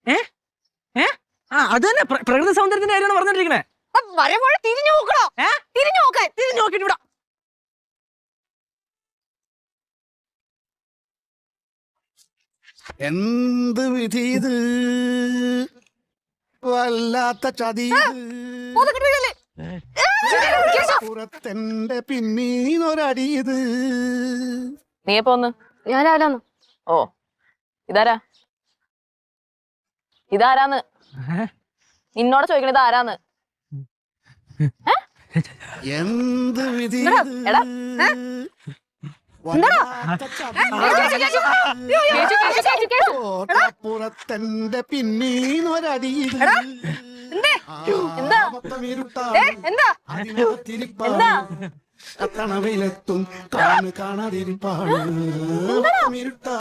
അത് തന്നെ പ്രകൃതി സൗന്ദര്യത്തിന്റെ കാര്യമാണ് പറഞ്ഞിരിക്കണേ. വരവോടെ തിരിഞ്ഞു നോക്കണോ? തിരിഞ്ഞു നോക്കിട്ട് ഇവിടെ എന്ത് വിധി ഇത്, വല്ലാത്ത ചതി. പുറത്തെന്റെ പിന്നീന്നൊരടി ഇത്. നീ എപ്പോ വന്ന്? ഞാൻ രാവിലെ. ഓ ഇതാരാന്ന് നിന്നോട് ചോദിക്കണത് ആരാന്ന്? എന്ത് വിധി പുറത്തെന്റെ പിന്നീന്നൊരടി. കത്തണ വെയിലെത്തും കാണാതിരിപ്പാണ്.